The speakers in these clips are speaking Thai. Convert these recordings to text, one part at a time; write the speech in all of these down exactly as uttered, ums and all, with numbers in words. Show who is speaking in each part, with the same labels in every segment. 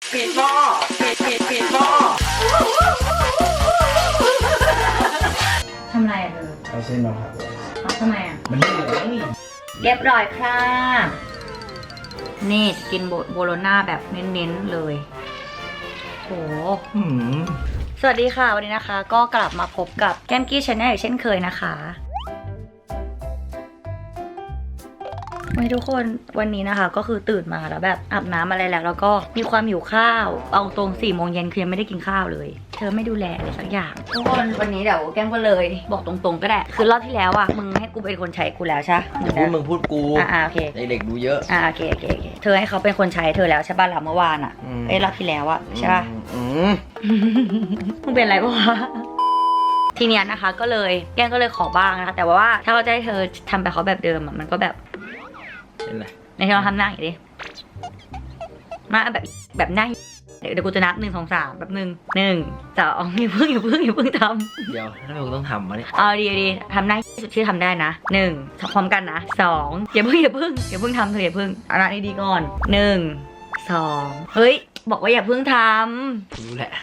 Speaker 1: ปิดหม้อปิดปิดปิดหม้อ
Speaker 2: ทำไรอ่ะเธอ
Speaker 3: เอาเส้นมาผัด
Speaker 2: เอาทำไมอ่ะ
Speaker 3: มันเหลือง
Speaker 2: เรียบร้อยค่ะนี่กินโบโลน่าแบบเน้นๆเลยโหสวัสดีค่ะวันนี้นะคะก็กลับมาพบกับแก้มกี้ชาแนลอย่างเช่นเคยนะคะทุกคนวันนี้นะคะก็คือตื่นมาแล้วแบบอาบน้ำอะไรแล้วแล้วก็มีความหิวข้าวเอาตรงสี่โมงเย็นคือยังไม่ได้กินข้าวเลยเธอไม่ดูแลอะไรสักอย่างทุกคนวันนี้เดี๋ยวแก้มก็เลยบอกตรงๆก็ได้คือรอบที่แล้วอ่ะมึงให้กูเป็นคนใช้กูแล้วใช่
Speaker 3: พูดมึงพูดกู
Speaker 2: อ่าโอเค
Speaker 3: เด็กดูเยอะ
Speaker 2: อ่าโอเคโอเคโอเคเธอให้เขาเป็นคนใช้เธอแล้วใช่ป่ะหลังเมื่อวานอ่ะเอ้ยรอบที่แล้วอ่ะใช่ป่ะมึงเป็นอะไรปะวะทีเนี้ยนะคะก็เลยแก้มก็เลยขอบ้างนะคะแต่ว่าถ้าเราจะให้เธอทำแบบเขาแบบเดิมอ่ะมันก็แบบ
Speaker 3: เป็นไร
Speaker 2: ในที่เราทำหน้าอย่างนี้มาแบบแบบหน้าเดี๋ยวกูจะนับหนึ่งสองสามแบบหนึ่งหนึ่งสองอย่าเพิ่งอย่าเพิ่งอย่าเพิ่งท
Speaker 3: ำเดี๋ยวถ้าเราต้องทำมาเนี่ย
Speaker 2: เอาดีดีทำหน้าสุดที่ทำได้นะหนึ่งพร้อมกันนะสองอย่าเพิ่งอย่าเพิ่งอย่าเพิ่งทำเธออย่าเพิ่งเอาหน้าดีๆก่อนหนึ่งสองเฮ้ยบอกว่าอย่าเพิ่งทำ
Speaker 3: รู้แหละ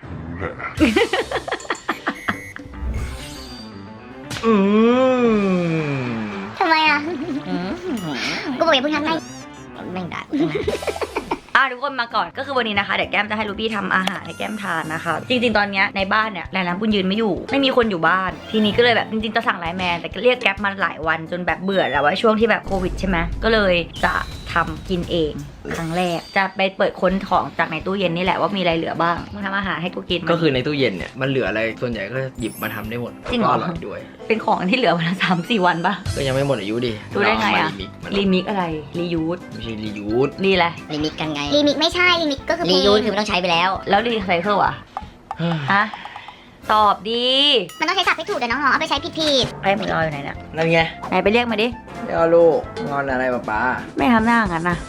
Speaker 3: อืม
Speaker 4: ทำไมอ่ะกูบอกอย่าเพิ่งทำได้ไม่ได้
Speaker 2: อ่ะทุกคนมาก่อนก็คือวันนี้นะคะเดี๋ยวแก้มจะให้ลูบี้ทำอาหารให้แก้มทานนะคะจริงๆตอนนี้ในบ้านเนี่ยหลายร้านปุ้นยืนไม่อยู่ไม่มีคนอยู่บ้านทีนี้ก็เลยแบบจริงๆจะสั่งไลน์แมนแต่เรียกแก๊ปมาหลายวันจนแบบเบื่อแล้วว่าช่วงที่แบบโควิดใช่ไหมก็เลยจะทำกินเองครั้งแรกจะไปเปิดค้นของจากในตู้เย็นนี่แหละว่ามีอะไรเหลือบ้างมึงทำอาหารให้กูกิน
Speaker 3: ก็คือในตู้เย็นเนี่ยมันเหลืออะไรส่วนใหญ่ก็หยิบมาทำได้หมด
Speaker 2: จริงเหรอ
Speaker 3: อร่อยด้วย
Speaker 2: เป็นของที่เหลือวันละสามสี่วันปะ
Speaker 3: ก็ยังไม่หมดอายุดิ
Speaker 2: ดูได้ไงอะรีมิกอะไรรียูส
Speaker 3: ไม่ใช่รียูส
Speaker 2: รีอะไร
Speaker 4: รีมิกกันไงรีมิกไม่ใช่รีมิกก็คือ
Speaker 2: รียูสคือมันต้องใช้ไปแล้วแล้วรีไซเคิลอะฮะตอบดี
Speaker 4: มันต้องใช้ศัพท์ให้ถูกแต่น้องๆเอาไปใช้ผิด
Speaker 2: ๆไอ้หมูรออยู่ไหนเนี่ย
Speaker 3: นั่นไง
Speaker 2: ไหนไปเรียกมาดิ
Speaker 3: เดี๋ยวลูกงอนอะไรป้าป้า
Speaker 2: ไม่ทำหน้างั้นนะ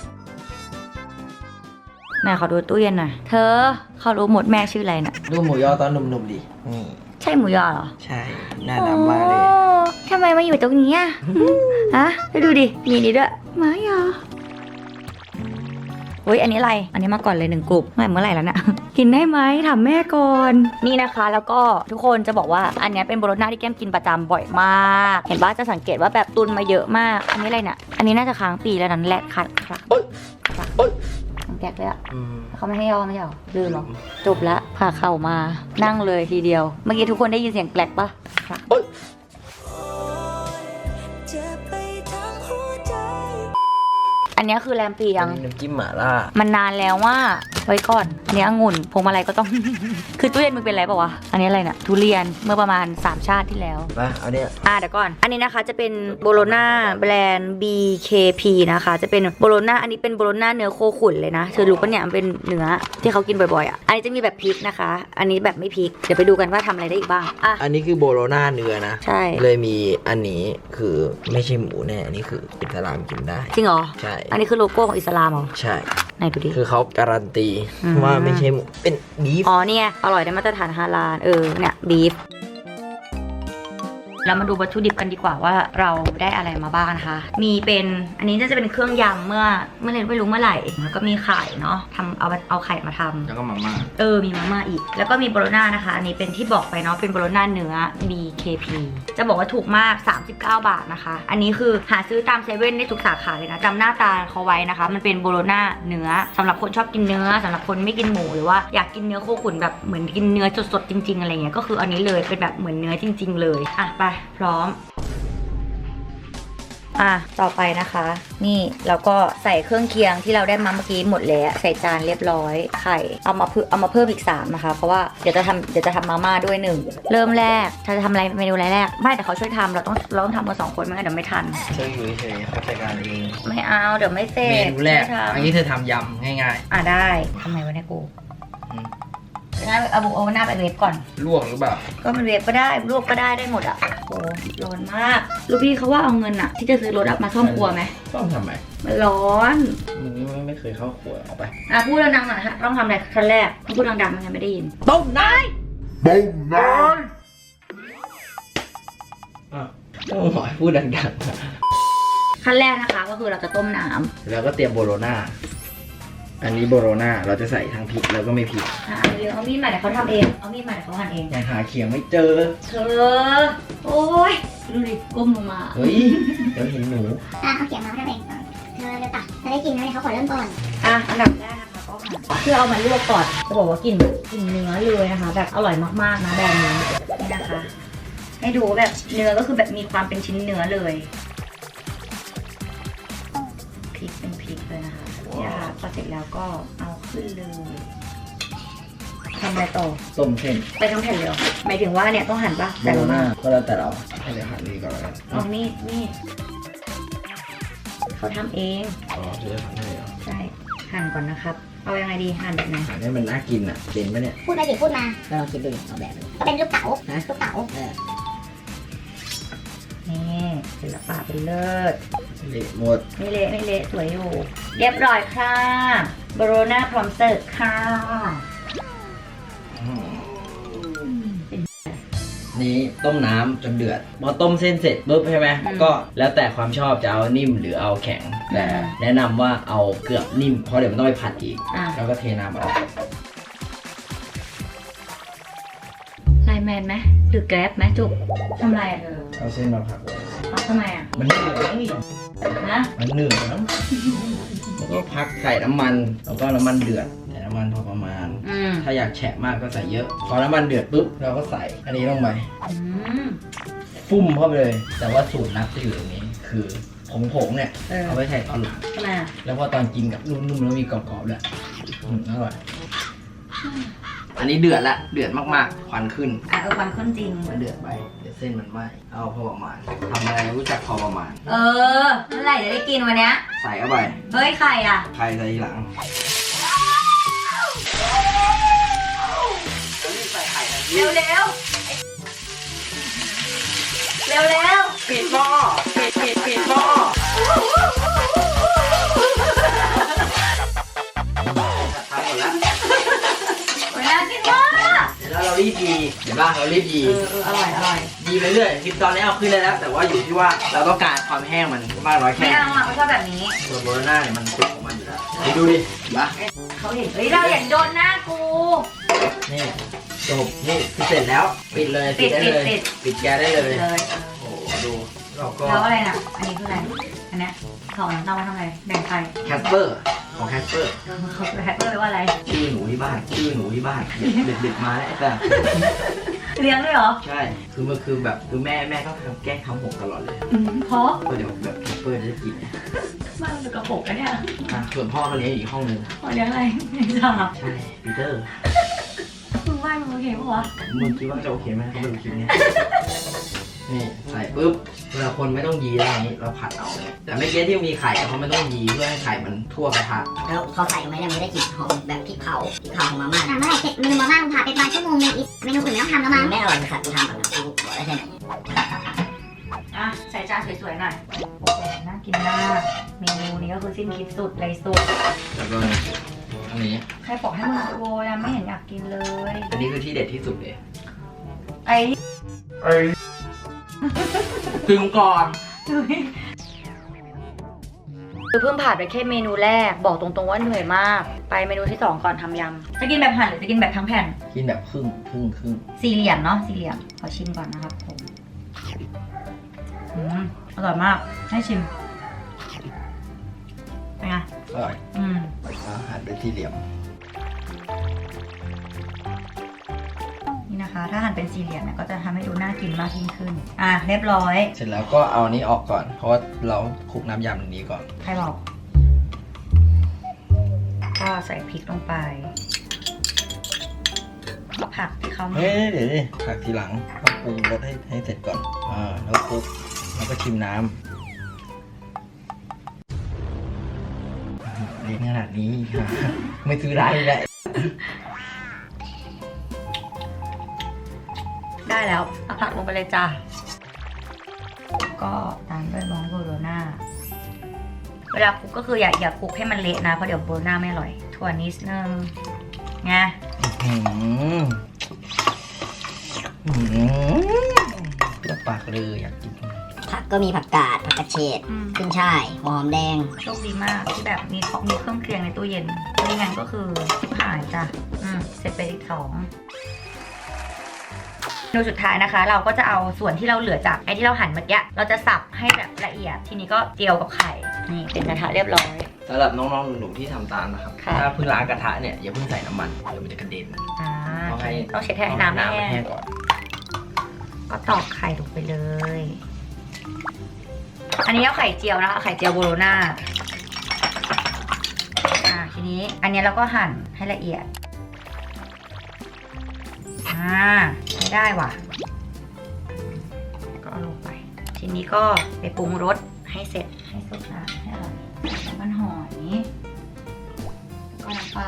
Speaker 2: แม่ขอดูตู้เย็นหน่อยเธอเขารู้หมดแม่ชื่ออะไรน่ะ
Speaker 3: ดูหมูยอตอนหนุ่มๆดินี่
Speaker 2: ใช่หมูยอเหรอ
Speaker 3: ใช่น่ารักมากเลย
Speaker 2: ทำไมมาอยู่ตรงนี้อ่ะฮะไปดูดิมีนี่ด้วยหมูยอเฮ้ยอันนี้อะไรอันนี้มาก่อนเลยหนึ่งกลุ่มเมื่อไหร่แล้วนะกินได้ไหมถามแม่ก่อนนี่นะคะแล้วก็ทุกคนจะบอกว่าอันนี้เป็นโบโลน่าที่แก้มกินประจำบ่อยมากเห็นว่าจะสังเกตว่าแบบตุนมาเยอะมากอันนี้อะไรเนี่ยอันนี้น่าจะค้างปีแล้วนั้นแหละคัดครับแก๊กเลยอ่ะเขาไม่ให้ย่อไม่ใช่หรอลืมหรอจบละพาเข่ามานั่งเลยทีเดียวเมื่อกี้ทุกคนได้ยินเสียงแกลกปะอันนี้คือแรมเปียง
Speaker 3: น้ำจิ้มหม่าล่า
Speaker 2: มันนานแล้วว่าไว้ก่อนอันนี้องุ่นพวงมาลัยก็ต้อง คือตู้เย็นมึงเป็นอะไรป่าวะอันนี้อะไรน่ะทุเรียนเมื่อประมาณสามชาติที่แล้ว
Speaker 3: มาเอาเนี่ย
Speaker 2: อ่ะเดี๋ยวก่อนอันนี้นะคะจะเป็นโบโลน่าแบรนด์ บี เค พี นะคะจะเป็นโบโลน่าอันนี้เป็นโบโลน่าเนื้อโคขุนเลยนะเธอรู้ปะเนี่ยมันเป็นเนื้อที่เขากินบ่อยๆอ่ะอันนี้จะมีแบบพริกนะคะอันนี้แบบไม่พริกเดี๋ยวไปดูกันว่าทำอะไรได้อีกบ้างอ่ะ
Speaker 3: อันนี้คือโบโลน่าเนื้อนะ
Speaker 2: ใช่
Speaker 3: เลยมีอันนี้คือไม่ใช่หมูแน่อันนี้คืออิสลามกินได้
Speaker 2: จริงเหรอ
Speaker 3: ใช่
Speaker 2: อันนี้คือโลโก้ของอิสลามเหรอ
Speaker 3: ใช่
Speaker 2: ไหนดูดิ
Speaker 3: คือเขาการันตีว่าไม่ใช่หมูเป็นบีฟ
Speaker 2: อ๋อเนี่ยอร่อยได้มาตรฐานฮาลาลเออเนี่ยบีฟเรามาดูวัตถุดิบกันดีกว่าว่าเราได้อะไรมาบ้างนะคะมีเป็นอันนี้จะเป็นเครื่องยำเมื่อเมื่อเรนไม่รู้เมื่อไหร่แล้วก็มีไข่เนาะทำเอาเอาไข่มาทำ
Speaker 3: แล้วก็มาม่า
Speaker 2: เออมีมาม่าอีกแล้วก็มีโบโลน่านะคะอันนี้เป็นที่บอกไปเนาะเป็นโบโลน่าเนื้อ บี เค พี จะบอกว่าถูกมากสามสิบเก้าบาทนะคะอันนี้คือหาซื้อตามเซเว่นได้ทุกสาขาเลยนะจำหน้าตาเขาไว้นะคะมันเป็นโบโลน่าเนื้อสำหรับคนชอบกินเนื้อสำหรับคนไม่กินหมูหรือว่าอยากกินเนื้อโคขุนแบบเหมือนกินเนื้อสดๆจริงๆอะไรเงี้ยก็คืออันนี้เลยเป็นแบบเหมือนเนื้อจริงๆเลยอ่ะไปพร้อมอ่ะต่อไปนะคะนี่เราก็ใส่เครื่องเคียงที่เราได้มาเมื่อกี้หมดแล้วใส่จานเรียบร้อยไข่เอามาเพิ่มเอามาเพิ่มอีกสามนะคะเพราะว่าเดี๋ยวจะทำเดี๋ยวจะทำมาม่าด้วยหนึ่งเริ่มแรกถ้าจะทำอะไรเมนูแรกไม่แต่เขาช่วยทำเราต้องเราต้องทำกันสองคนไม่งั้นเดี๋ยวไม่ทัน
Speaker 3: เฉยอยู่เฉยเขาจัดการเอง
Speaker 2: ไม่เอาเดี๋ยวไม่เสร็จ
Speaker 3: เมนูแรกอันนี้เธอทำยำง่าย
Speaker 2: ๆอ่ะได้ทำไมวะเนี่ยกูงั้นเอาบุเอาหน้าไปเวฟก่อน
Speaker 3: ลวกหรือเปล่า
Speaker 2: ก็มันเวฟก็ได้ลวกก็ได้ได้หมดอ่ะโอ้ร้อนมากลูกพี่เขาว่าเอาเงินอ่ะที่จะซื้อรถมาซ่อมครัวไหม
Speaker 3: ซ่อมทำไม
Speaker 2: มันร้อน
Speaker 3: มึงไม่เคยเข้าครัวเอาไป
Speaker 2: อ่ะพูดดังๆหน่อยฮะต้องทำอะไรขั้นแรกพูดดังๆมันยังไม่ได้ยิน
Speaker 3: ต้มน้ำต้มน้ำอ่ะต้องหอยพูดดัง
Speaker 2: ๆขั้นแรกนะคะก็คือเราจะต้มน้
Speaker 3: ำแล้วก็เตรียมโบโลน่าอันนี้โบโรนาเราจะใส่ทั้งพริกแล้วก็ไม่พริก
Speaker 2: อ่ะเอาเร็วเอามีดมาเดี๋ยวเขาทำเองเอามีดมาเดี๋ยวเขาหั่นเอง
Speaker 3: ยังหาเขียงไม่เจอ
Speaker 2: เธอโอ้ยดูดิก้มลงมา
Speaker 3: เฮ้ยเดี๋ยวเห็นหนู
Speaker 4: อ่ะเอาเขียงมาให้เองเธอจะตักจะได้กินไหมเขาขอเริ่มก่อน
Speaker 2: อ่ะอันดับแรกนะคะก็หั่นเพื่อเอามาลวกก่อนจะบอกว่ากลิ่นกลิ่นเนื้อเลยนะคะ แบบอร่อยมากๆนะแบรนด์นี้นี่นะคะ ให้ดูแบบเนื้อก็คือแบบมีความเป็นชิ้นเนื้อเลยพริกเป็นพริกเลยนะคะเนี่ยค่ะพอเสร็จแล้วก็เอาขึ้นเลยทำอะไรต่อ
Speaker 3: ต้มเส้น
Speaker 2: ไปทั้งแผ่นเลยเหรอหมายถึงว่าเนี่ยต้องหั่นปะ
Speaker 3: โบ
Speaker 2: แต่
Speaker 3: โร
Speaker 2: ละ
Speaker 3: นา
Speaker 2: มา
Speaker 3: ก็แล้วแต่เราให้เดี๋ยวหั่นนี่ก่อนแล้วกัน
Speaker 2: เอามีดมีดเขาทำเอง
Speaker 3: อ๋อจะได้หั่นให้เหรอ
Speaker 2: ใช่หั่นก่อนนะครับ เอายังไงดีหั่นแบบไหน
Speaker 3: หั่นให้มันน่ากินอ่ะเป็นปะเนี่ย
Speaker 4: พูดไปสิพูดมา
Speaker 5: ก็ลองคิดดูเอาแบบ
Speaker 4: ก็เป็นลูกเต๋าลูกเต๋า
Speaker 5: เออ
Speaker 2: นี่ศิลปะเป็นเลิศ
Speaker 3: เละหมด
Speaker 2: ไม่เละไม่เละสวยอยู่ เรียบร้อยค่ะโบโรนาพร้อมเสิร์ฟค่ะ
Speaker 3: นี้ต้มน้ำจนเดือดพอต้มเส้นเสร็จปุ๊บใช่ไหมก็แล้วแต่ความชอบจะเอานิ่มหรือเอาแข็งแต่แนะนำว่าเอาเกือบนิ่มเพราะเดี๋ยวมันต้องไปผัดอีก
Speaker 2: อ่ะ
Speaker 3: แล้วก็เทน้ำออก
Speaker 2: ไลน์แมนไหมหรือแกร็บไหมจุกทำไรอ่ะเธอ
Speaker 3: เอาเส้นมาผัดเลย
Speaker 2: เอาทำไมอ่ะ
Speaker 3: มันเหนื่อยนี่
Speaker 2: นะ
Speaker 3: มันเหนื่อยแล้วแล้วก็พักใส่น้ำมันแล้วก็น้ำมันเดือดใส่น้ำมันพอประมาณ
Speaker 2: อืม
Speaker 3: ถ้าอยากแฉะมากก็ใส่เยอะ พอน้ำมันเดือดปุ๊บเราก็ใส่อันนี้ลงไป
Speaker 2: อืม
Speaker 3: ฟุ่มเข้าไปเลย แต่ว่าสูตรลับจะอยู่ตรงนี้ คือผงผงๆเนี่ย
Speaker 2: เออ
Speaker 3: เอาไว้ใส่ตอนหลัง
Speaker 2: ทำไมอ่ะ
Speaker 3: แล้วพอตอนกินกับนุ่มๆแล้วมีกรอบๆด้วยอืมอร่อยอันนี้เดือดละเดือดมากๆควันขึ้น
Speaker 2: อ่ะเออความข้นจริง
Speaker 3: มันเดือดไปเดี๋ยวเส้นมันไหม้เอาพอประมาณทำอะไรรู้จักพอประมาณ
Speaker 2: เออเมื่อไหร่จะได้กินวันเนี้ย
Speaker 3: ใส่เข้าไป
Speaker 2: เฮ้ยไข่อ่ะ
Speaker 3: ไข่ใส่ทีหลัง
Speaker 2: เร็วเร็วเร็วเร็ว
Speaker 1: ปิดหม้อปิดปิดปิดหม้อ
Speaker 3: ทำหมดแล้ว
Speaker 2: เวลากินมาก
Speaker 3: เดี๋ยวเรารีบดีเห็นป่ะเรารีบดี
Speaker 2: เออเอออร่อยอร่อย
Speaker 3: ดีไปเรื่อยคลิปตอนนี้เอาขึ้นได้แล้ว แต่ว่าอยู่ที่ว่าเราต้องการความแห้งมันมากน้อยแค่
Speaker 2: ไม่
Speaker 3: ไหน
Speaker 2: เอาอ่ะไม่ชอบแบบนี้
Speaker 3: ส่วนโบโรน่าเนี่ยมันสุกของมันอยู่แล้วนี่ดูดิเห็นปะ
Speaker 2: เขาเห็นเฮ้ยเราเห็นโดนหน้ากู
Speaker 3: นี่จบนี่คือเสร็จแล้วปิดเลยปิดได้เลย
Speaker 2: ปิด
Speaker 3: ปิดแกสได้เลย
Speaker 2: เลย
Speaker 3: โอ้โหดูเราก็
Speaker 2: แล้วอะไรน่ะอันนี้คืออะไรอันเนี้ยเขาน้ำตาลมาทำอะไรแบ่งใคร
Speaker 3: แคสเปอร์ของแคสเปอร์
Speaker 2: เขาแฮปเปอร์ไปว่าอะไร
Speaker 3: ชื่อหนูที่บ้านชื่อหนูที่บ้านเด็กๆมาแล้วแต่
Speaker 2: เลี้ยงด้วยเหรอ
Speaker 3: ใช่คือมันคือแบบคือแม่แม่ก็ทำแกล้งทำหกตลอดเลย
Speaker 2: อืมเพราะ
Speaker 3: ก็เดี๋ยวแบบแคสเปอร์จะได้กิน
Speaker 2: บ้านมันกระปุกนะเนี่ย
Speaker 3: อ่ะส่วนพ่อเขาเลี้ยงอยู่อีกห้องนึง
Speaker 2: พ่อเลี้ยงอะไรไม่ทราบ
Speaker 3: ใช่ปีเตอร์
Speaker 2: มึงว่ามึงโอเคปะวะ
Speaker 3: มึงคิดว่าจะโอเคไหมเขาไม่รู้คลิปเนี้ยนี่ใส่ปุ๊บเวลาคนไม่ต้องยีแล้วอย่างนี้เราผัดเอาเนี่ยแต่ไม่เกี้ที่มีไข่เขาไม่ต้องยีเพื่อให้ไข่มันทั่วกระทะ
Speaker 5: แล้วเขาใส่ลงไปเนี่ยมันได้กลิ่นหอมแบบพริกเผาพริกเผาของมาม่า
Speaker 4: อ่ะเมื่อไหร่เสร็จเมนูมาม่าผ่านไปประมาณชั่วโมงนึงอีกเมนูอื่นไม่ต้องทำแล้วมั้ง
Speaker 5: ไม่อร่อยเลยค่ะกูทำก่อนนะกูบอกได้แค่นี้
Speaker 2: อ่ะใส่จานสวยๆหน่อยน่ากินมากเมนูนี้ก็คือสิ้นคิดสุดเลยสุด
Speaker 3: แล้วก็อันนี้
Speaker 2: ใครบอกให้มึงโวยอะไม่เห็นอยากกินเลย
Speaker 3: อันนี้คือที่เด็ดที่สุดเลย
Speaker 2: ไอ้
Speaker 3: ถึงก่อน
Speaker 2: คือเพิ่งผ่านไปแค่เมนูแรกบอกตรงๆว่าเหนื่อยมาก ไปเมนูที่สองก่อนทำยำจะกินแบบหั่นหรือจะกินแบบทั้งแผ่น
Speaker 3: กินแบบครึ่งครึ่งครึ่ง
Speaker 2: สี่เหลี่ยมเนาะสี่เหลี่ยมขอชิมก่อนนะครับผมอืมอร่อยมากให้ชิมเป็นไง
Speaker 3: อร่อย
Speaker 2: อืม
Speaker 3: อาหารเป็นสี่เหลี่ยม
Speaker 2: นี่นะคะ ถ้าหั่นเป็นสี่เหลี่ยมเนี่ยก็จะทำให้ดูน่ากินมากยิ่งขึ้นอ่ะเรียบร้อย
Speaker 3: เสร็จแล้วก็เอาอันนี้ออกก่อน เพราะว่าเราคลุกน้ำยำตรงนี้ก่อน
Speaker 2: ใครบอกก็ใส่พริกลงไปก็ผักที่เขา
Speaker 3: เฮ้ยเดี๋ยวดิผักทีหลังต้องปรุงรสให้ให้เสร็จก่อน อ่า แล้วคลุก แล้วก็ชิมน้ำเล็กขนาดนี้ ไม่ซื้อร้านเลยแหละ
Speaker 2: ได้แล้วเอาผักลงไปเลยจ้าก็ตามด้วยมองโบโรน่าเวลาคลุกก็คืออย่าอย่าคลุกให้มันเละนะเพราะเดี๋ยวโบโรน่าไม่อร่อยถั่วนิดนึงไง
Speaker 3: อืมอืมแล้วปากเลยอยากกิน
Speaker 5: ทผักก็มีผักกาดผักกระเฉด
Speaker 2: อืม
Speaker 5: ขึ้นช่ายหัวหอมแดง
Speaker 2: โชคดีมากที่แบบมีของมีเครื่องเคียงในตู้เย็นไม่งั้นก็คือชิบหายจ้ะอืมเสร็จไปอีกสองเมนูสุดท้ายนะคะ เราก็จะเอาส่วนที่เราเหลือจากไอ้ที่เราหั่นเมื่อกี้เราจะสับให้แบบละเอียดทีนี้ก็เจียวกับไข่นี่เป็นกระทะเรียบร้อย
Speaker 3: สำหรับน้องๆหนูๆที่ทำตามนะครับ
Speaker 2: ค่ะ
Speaker 3: ถ้าเพิ่งล้างกระทะเนี่ยอย่าเพิ่งใส่น้ำมันเดี๋ยวมันจะกระเด็น
Speaker 2: อ่า
Speaker 3: ต้องให้
Speaker 2: ต้องเช็ดให้น้ำไม่แห้ง
Speaker 3: ก่อน
Speaker 2: ก็ตอกไข่ลงไปเลย อันนี้เอาไข่เจียวนะคะไข่เจียวโบโลน่าอ่าทีนี้อันนี้เราก็หั่นให้ละเอียดอ่าใช้ได้ว่ะก็เอาลงไป ทีนี้ก็ไปปรุงรสให้เสร็จให้สุกนะให้อร่อยน้ำมันหอยก็น้ำปลา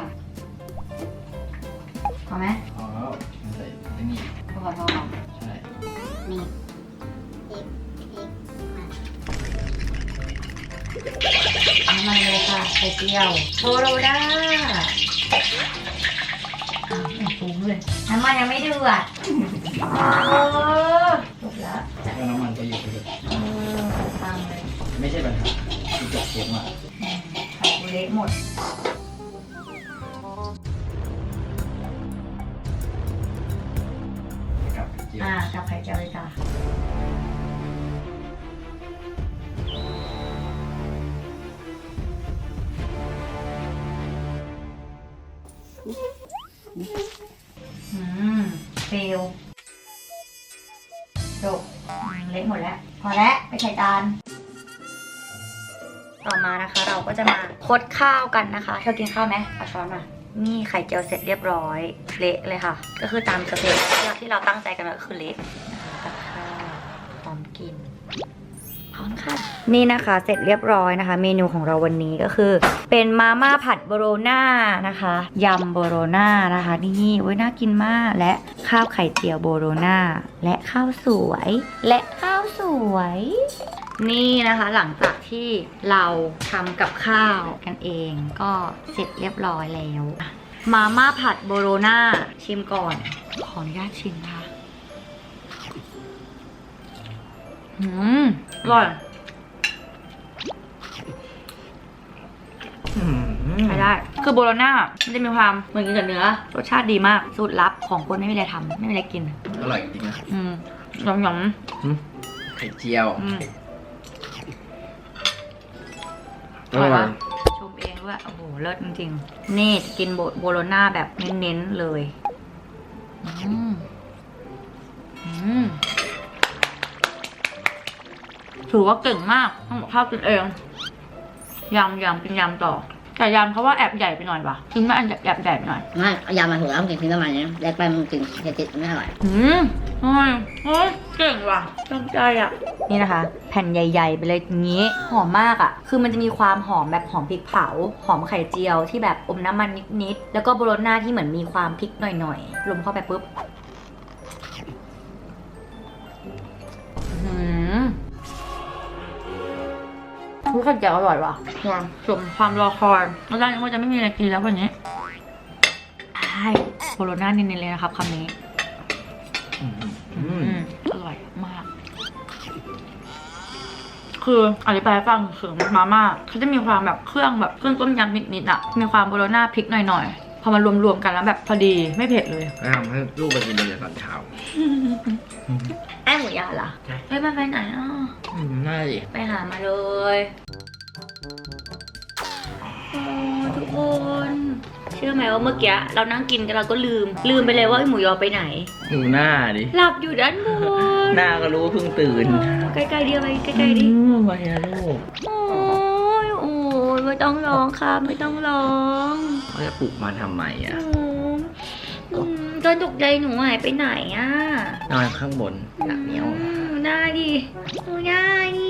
Speaker 2: พอไหม
Speaker 3: อ๋อใส่ไอ้นี่
Speaker 2: พอพอพอ
Speaker 3: ใช่
Speaker 5: นี่
Speaker 2: น้ำมันเลยค่ะไข่เจียวโบโลน่าอ้าวไม่ปรุงเลยน้ำมันยังไม่เดือดเออจบแล้ว
Speaker 3: แล้วน้ำมันก็อยู่ไปเลย
Speaker 2: เออฟังเลย
Speaker 3: ไม่ใช่ปัญหาที่จบเกมอ่ะ
Speaker 2: อืมไข่เละหมด
Speaker 3: กับเจียว
Speaker 2: อ่ากับไข่เจียวเลยจ้ะอืมเฟลจบอืมเละหมดแล้ว พอแล้วไปใส่จาน ต่อมานะคะเราก็จะมาคดข้าวกันนะคะเธอกินข้าวไหมเอาช้อนมา นี่ไข่เจียวเสร็จเรียบร้อย เละเลยค่ะ ก็คือตามสเต็ปที่เราตั้งใจกันไว้ก็คือเละนะคะกับข้าวพร้อมกิน พร้อมค่ะ นี่นะคะเสร็จเรียบร้อยนะคะ เมนูของเราวันนี้ก็คือ เป็นมาม่าผัดโบโลน่านะคะยำโบโลน่านะคะนี่โอ้ยน่ากินมากและข้าวไข่เจียวโบโลน่าและข้าวสวย และข้าวสวย นี่นะคะหลังจากที่เราทำกับข้าวกันเองก็เสร็จเรียบร้อยแล้วมาม่าผัดโบโลน่าชิมก่อนขออนุญาตชิมนะคะอืมอร่อย
Speaker 3: อืม
Speaker 2: ใช้ได้คือโบโลน่ามันจะมีความเหมือนกันกับเนื้อรสชาติดีมากสูตรลับของคนไม่มีอะไรทำไม่มีอะไรกิน
Speaker 3: อร่อยจริงนะ
Speaker 2: อืมหยำหย
Speaker 3: อืมไข่เจียว
Speaker 2: ำอืม
Speaker 3: อร่อย
Speaker 2: ชมเองด้วยโอ้โหเลิศจริงๆนี่จะกินโบโบโลน่าแบบเน้นๆเลยอืมอืมถือว่าเก่งมากทำกับข้าวกินเองยำยำกินยำต่อแต่ยำเพราะว่าแอบใหญ่ไปหน่อยว่ะกินไม่อันแอบใหญ่ไปหน่อย
Speaker 5: ไม่เอายามาถูกแล้วมันกินทิ้งประมาณนี้แรกไปมันกินเผ็ดๆไม่อร่อย
Speaker 2: อืมโอ้ยโอ้ยเก่งว่ะตั้งใจอ่ะ นี่นะคะ แผ่นใหญ่ๆไปเลยอย่างนี้ หอมมากอ่ะ คือมันจะมีความหอมแบบหอมพริกเผา หอมไข่เจียวที่แบบอมน้ำมันนิดๆ แล้วก็โบโลน่าที่เหมือนมีความพริกหน่อยๆ ลมเข้าไปปุ๊บอืมรู้ไข่เจียวอร่อยว่ะความสมความรอคอยแล้วด้านนี้ว่าจะไม่มีอะไรกินแล้ววันนี้ใช่โบโลน่าเน้นๆเลยนะครับคำนี้
Speaker 3: อืม
Speaker 2: อืมอร่อยมาก คืออธิบายให้ฟังคือมาม่าเขาจะมีความแบบเครื่องแบบเครื่องต้มยำนิดๆอ่ะ มีความโบโลน่าพริกหน่อยๆ พอมารวมๆกันแล้วแบบพอดีไม่เผ็ดเลย
Speaker 3: แล้วทำให้ลูกไปกินเลยตอนเช้า
Speaker 2: ไอ้หมูยาล่ะเฮ้ยมันไปไหนอ่ะ
Speaker 3: อืมน่าดิ
Speaker 2: ไปหามาเลยโอ้ทุกคนเชื่อไหมว่าเมื่อกี้เรานั่งกินกันเราก็ลืม ลืมไปเลยว่าไอ้หมูยอไปไหน
Speaker 3: ดูหน้าดิ
Speaker 2: หลับอยู่ด้านบน
Speaker 3: หน้าก็รู้ว่าเพิ่งตื่น
Speaker 2: ใกล้ๆเดียวไปใกล้ๆดิ
Speaker 3: อืมไปนะลูก
Speaker 2: โอ้ยโอ้ยไม่ต้องร้องค่ะไม่ต้องร้อง
Speaker 3: เขาจะปลุกมาทำไมอ่ะ
Speaker 2: อืมตอนตกใจหนูหายไปไหนอ่ะ
Speaker 3: นอนข้างบนหนักเหนียว
Speaker 2: อืมได้ดิหนูได้ดิ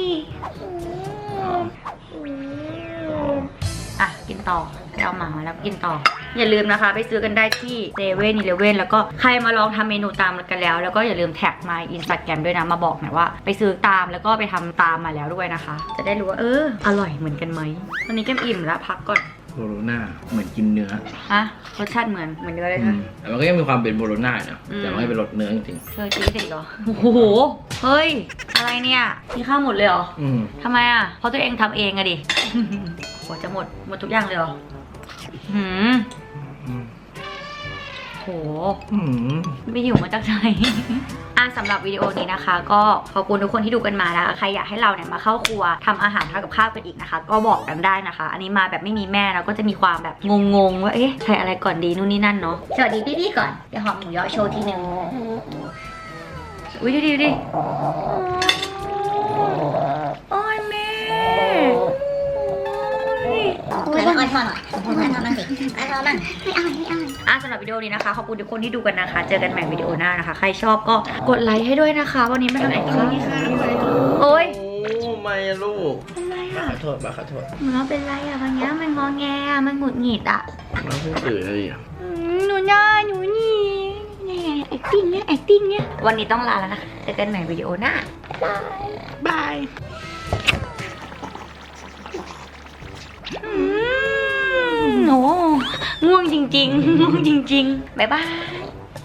Speaker 2: อ่ะกินต่อไปเอาหมามาแล้วกินต่อ อย่าลืมนะคะ ไปซื้อกันได้ที่เซเว่นอีเลฟเว่นแล้วก็ใครมาลองทำเมนูตามกันแล้ว แล้วก็อย่าลืมแท็กมาอินสตาแกรมด้วยนะมาบอกหน่อยว่าไปซื้อตามแล้วก็ไปทำตามมาแล้วด้วยนะคะ จะได้รู้ว่าเอออร่อยเหมือนกันไหมวันนี้แก้มอิ่มแล้วพักก่อน
Speaker 3: โบโลน่าเหมือนกินเนื้อ
Speaker 2: ฮะรสชาติเหมือนเหมือนเนื้อเลย
Speaker 3: อื
Speaker 2: ค่ะ
Speaker 3: มแต่มันก็ยังมีความเป็นโบโลน่าเนาะ
Speaker 2: อืม
Speaker 3: แต่มันไม่เป็นรสเนื้อจริง
Speaker 2: เธอจีสิเหรอโอ้โหเฮ้ยอะไรเนี่ยกินข้าวหมดเลยเหรอ
Speaker 3: ๆอืม
Speaker 2: ทำไมอ่ะเพราะตัวเองทำเองอะดิ โหจะหมดหมดทุกอย่างเลยเหรอหืม
Speaker 3: อืม
Speaker 2: โห
Speaker 3: อืม
Speaker 2: ไม่หิวมาจากไหน อ่ะสำหรับวิดีโอนี้นะคะ ก็ขอบคุณทุกคนที่ดูกันมานะคะใครอยากให้เราเนี่ยมาเข้าครัวทำอาหารทำกับข้าวกันอีกนะคะ ก็บอกกันได้นะคะ อันนี้มาแบบไม่มีแม่แล้วก็จะมีความแบบงงๆว่าเอ๊ะใครอะไรก่อนดีนู่นนี่นั่นเนาะ
Speaker 4: สวัสดีพี่ๆก่อน เดี๋ยวหอมหมูยอโชว์ทีหนึ่ง
Speaker 2: อุ้ยดูดิดูดิโอ้ยแม่โอ้ย
Speaker 4: เปิดแล้วอ้อนพ่อหน่อยอ้อนพ่อบ้างสิอ้อนพ่อบ้างไม่เอาไม่เอา
Speaker 2: อ่ะสำหรับวิดีโอนี้นะคะขอบคุณทุกคนที่ดูกันนะคะ เจอกันใหม่วิดีโอหน้านะคะ ใครชอบก็กดไลค์ให้ด้วยนะคะ วันนี้มาทำอะไรคะโอ้ย
Speaker 3: โอ้ไม่ลูก
Speaker 2: เป็นไรอ่ะ
Speaker 3: ขอโทษบ้าขอโทษ
Speaker 2: หนูว่าเป็นไรอ่ะวันนี้มันงอแงอ่ะมันหงุดหงิดอ่ะ
Speaker 3: น้องเพิ่งตื่นเลยอ่ะ
Speaker 2: อืมหนูน่าหนูนี่นี่ acting เนี่ย acting เนี่ยวันนี้ต้องลาแล้วนะคะเจอกันใหม่วิดีโอหน้าบายอืมโอ้ง่วงจริงๆง่วงจริงๆบ๊ายบาย